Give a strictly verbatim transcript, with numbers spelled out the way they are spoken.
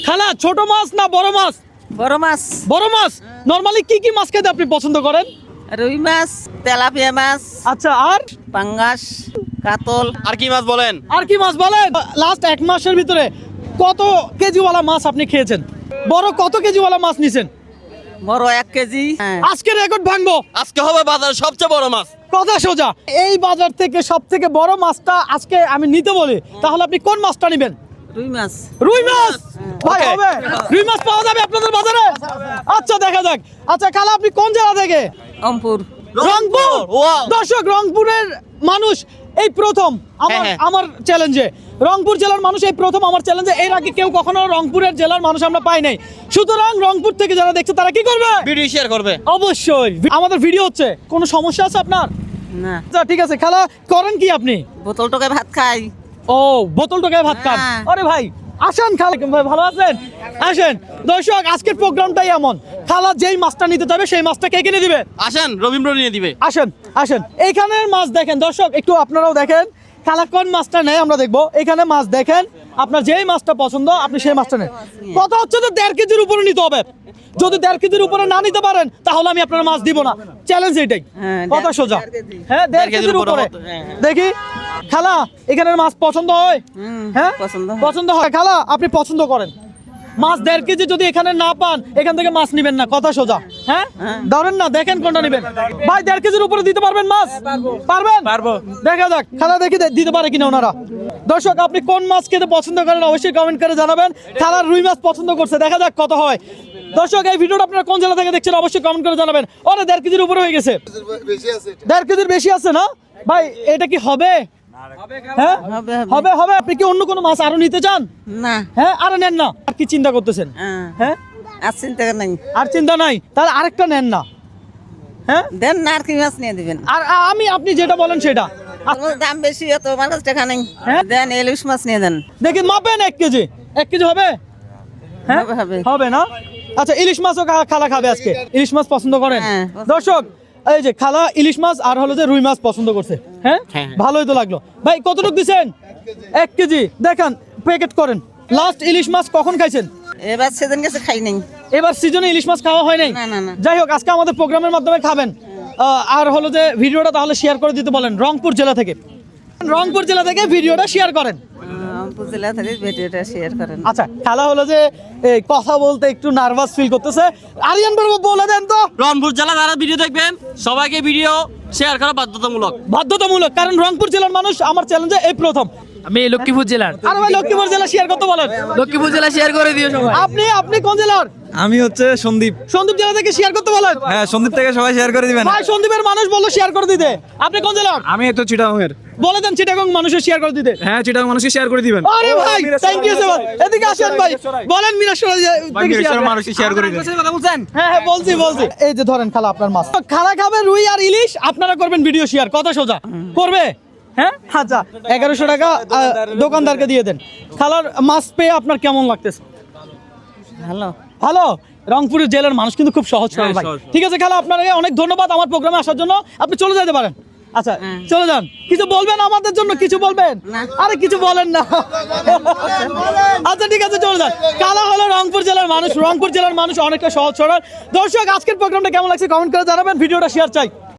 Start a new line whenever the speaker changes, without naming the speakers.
খালা ছোট মাছ না বড় মাছ?
বড় মাছ।
বড় মাছ। নরমালি কি কি মাছ খেতে আপনি পছন্দ করেন?
রুই মাছ, তেলাপিয়া মাছ,
আচ্ছা, আর
পাঙ্গাস, কাতল।
আর কি মাছ বলেন?
আর কি মাছ বলেন? লাস্ট এক মাসের ভিতরে কত কেজিওয়ালা মাছ আপনি খেয়েছেন? বড় কত কেজিওয়ালা মাছ নিছেন?
বড় এক কেজি। হ্যাঁ।
আজকে রেকর্ড ভাঙবো।
আজকে হবে বাজারের সবচেয়ে বড় মাছ।
কথা সোজা, এই বাজার থেকে সব থেকে বড় মাছটা আজকে আমি নিতে বলি, তাহলে আপনি কোন মাছটা নেবেন?
রুই মাছ।
রুই মাছ। ভাই
Okay.
হবে রুই মাছ পাওয়া যাবে আপনাদের বাজারে? আচ্ছা, দেখা যাক। আচ্ছা খালা, আপনি কোন জেলা থেকে?
অমপুর।
রংপুর।
Wow.
দর্শক, রংপুরের মানুষ এই প্রথম আমার
হ্যাঁ, হ্যাঁ।
আমার চ্যালেঞ্জে, রংপুর জেলার মানুষ এই প্রথম আমার চ্যালেঞ্জে। এর আগে কেউ কখনো রংপুরের জেলার মানুষ আমরা পাই নাই। সুতরাং রংপুর থেকে যারা দেখছে তারা কি করবে?
ভিডিও শেয়ার করবে।
অবশ্যই। আমাদের ভিডিও হচ্ছে, কোনো সমস্যা আছে আপনার?
না।
আচ্ছা ঠিক আছে। খালা করেন কি আপনি?
বোতল টোকায় ভাত খাই।
ও, বোতল টোকায় ভাত খান।
হ্যাঁ।
আরে ভাই আসেন, খালা ভাই ভালো আছেন? আসেন। দর্শক, আজকের প্রোগ্রামটাই এমন, খালা যেই মাছটা নিতে যাবে সেই মাছটা কে কিনে দিবে?
আসেন, রবীন্দ্র নিয়ে দিবে।
আসেন আসেন, এইখানের মাছ দেখেন দর্শক, একটু আপনারাও দেখেন খালা কোন মাছটা নেয় আমরা দেখবো। এখানে মাছ দেখেন, আপনার যেই মাছটা পছন্দ আপনি সেই মাছটা নেন। কথা হচ্ছে তো দেড় কেজির উপরে নিতে হবে। যদি দেড় কেজির উপরে না নিতে পারেন তাহলে আমি আপনার মাছ দিব না। চ্যালেঞ্জ এটাই।
হ্যাঁ,
কথা
দেড়-
সোজা।
দেড় কেজি।
হ্যাঁ, দেড়
দেড় কেজির
কেজির
উপরে
উপরে।
হতো, হ্যাঁ, হ্যাঁ।
দেখি খালা, এখানের মাছ পছন্দ হয়?
হুম,
হ্যাঁ,
পছন্দ হয়।
পছন্দ হয়। খালা আপনি পছন্দ করেন মাছ দেড় কেজি, যদি এখানে না পান এখান থেকে মাছ নিবেন না। কথা সোজা। হ্যাঁ,
হ্যাঁ।
ধরেন না, দেখেন কোনটা নিবেন। ভাই দেড় কেজির উপরে দিতে পারবেন মাছ? পারবেন?
পারবো।
দেখা যাক খালা, দেখি দে- দিতে পারে কিনা ওনারা। দর্শক, আপনি কোন মাছ খেতে পছন্দ করেন অবশ্যই কমেন্ট করে জানাবেন। খালার রুই মাছ পছন্দ করছে, দেখা যাক কত হয়। দর্শক, এই ভিডিওটা আপনারা কোন জেলা থেকে দেখছেন অবশ্যই কমেন্ট করে জানাবেন। ওরে দেড় কেজির উপরে হয়ে গেছে। দেড় কেজির বেশি আছে না ভাই? এটা কি হবে? হ্যাঁ
হবে, হবে।
হবে হবে। আপনি কি অন্য কোনো মাছ আরো নিতে চান?
না।
হ্যাঁ, আরে নেন না। আর কি চিন্তা করতেছেন?
হ্যাঁ।
হ্যাঁ,
আর চিন্তা নাই।
আর চিন্তা নাই, তাহলে আরেকটা নেন না। হ্যাঁ,
দেন না, আর কি মাছ নিয়ে দিবেন?
আর আ- আমি আপনি যেটা বলেন সেটা।
তোমার দাম বেশি, অত মানুষ টাকা নেই।
হ্যাঁ?
দেন ইলিশ মাছ নিয়ে দেন।
দেখি মাপেন, এক কেজি। এক কেজি হবে? হ্যাঁ,
হবে, হবে।
হবে না? আচ্ছা, ইলিশ মাছও খা- খালা খাবে আজকে। ইলিশ মাছ পছন্দ করেন?
হ্যাঁ, পছন্দ।
দর্শক, এই যে খালা ইলিশ মাছ আর হলো যে রুই মাছ পছন্দ করছে। হ্যাঁ,
হ্যাঁ।
ভালোই তো লাগলো। ভাই কতটুকু দিছেন? এক কেজি। দেখান, প্যাকেট করেন। লাস্ট ইলিশ মাছ কখন খাইছেন?
এবার সেদিন গেছে খাই নাই।
এবার সিজনে ইলিশ মাছ খাওয়া হয় নাই?
না, না, না।
যাই হোক, আজকে আমাদের প্রোগ্রামের মাধ্যমে খাবেন। আহ, আর হলো যে ভিডিওটা তাহলে শেয়ার করে দিতে বলেন। রংপুর জেলা থেকে, রংপুর জেলা থেকে ভিডিওটা শেয়ার করেন।
রংপুর জেলা থেকে ভিডিওটা শেয়ার করেন।
আচ্ছা, খেলা হলো যে এই কথা বলতে একটু নার্ভাস ফিল করতেছে। আরিয়ান বাবু বলে দেন তো।
রংপুর জেলা যারা ভিডিও দেখবেন সবাইকে ভিডিও শেয়ার করা বাধ্যতামূলক।
বাধ্যতামূলক, কারণ রংপুর জেলার মানুষ আমার চ্যালেঞ্জে এই প্রথম।
আমি লক্ষ্মীপুর জেলার।
আর ভাই লক্ষ্মীপুর জেলা শেয়ার করতে বলেন।
লক্ষ্মীপুর জেলা শেয়ার করে দিও সবাই।
আপনি আপনি কোন জেলার?
আমি হচ্ছে সন্দীপ।
সন্দীপ জেলা থেকে শেয়ার করতে বলেন।
হ্যাঁ, সন্দীপ থেকে সবাই শেয়ার করে দিবেন।
ভাই সন্দীপের মানুষ বললো শেয়ার করে দিতে। আপনি কোন জেলার?
আমি তো চিটাগংয়ের।
বলে দেন চিটাগং মানুষের শেয়ার করে দিতে।
হ্যাঁ, চিটাগং মানুষকে শেয়ার করে দিবেন।
আরে ভাই, থ্যাংক ইউ সো মাচ। এদিকে আসেন ভাই, বলেন মিরাশরা
মানুষকে শেয়ার করে দিবেন। কথা বলছেন?
হ্যাঁ হ্যাঁ, বলছি বলছি। এই যে ধরেন খালা আপনার মাছ, খালা খাবে রুই আর ইলিশ, আপনারা করবেন ভিডিও শেয়ার। কথা সোজা করবে? হ্যাঁ, আচ্ছা, এগারোশো টাকা আহ, দোকানদারকে দিয়ে দেন। খালার মাছ পেয়ে আপনার কেমন লাগতেছে?
ভালো।
ভালো। রংপুরের জেলার মানুষ কিন্তু খুব সহজ সরল
হ্যাঁ,
ভাই।
সহজ।
ঠিক আছে খালা, আপনাকে অনেক ধন্যবাদ আমার প্রোগ্রামে আসার জন্য। আপনি চলে যেতে পারেন। আচ্ছা, চলে যান। কিছু বলবেন আমাদের জন্য? কিছু বলবেন?
না।
আরে কিছু বলেন না। আচ্ছা ঠিক আছে, চলে যান। কালা হলো রংপুর জেলার মানুষ। রংপুর জেলার মানুষ অনেকটা সহজ সরল। দর্শক, আজকের প্রোগ্রামটা কেমন লাগছে কমেন্ট করে জানাবেন। ভিডিওটা শেয়ার চাই।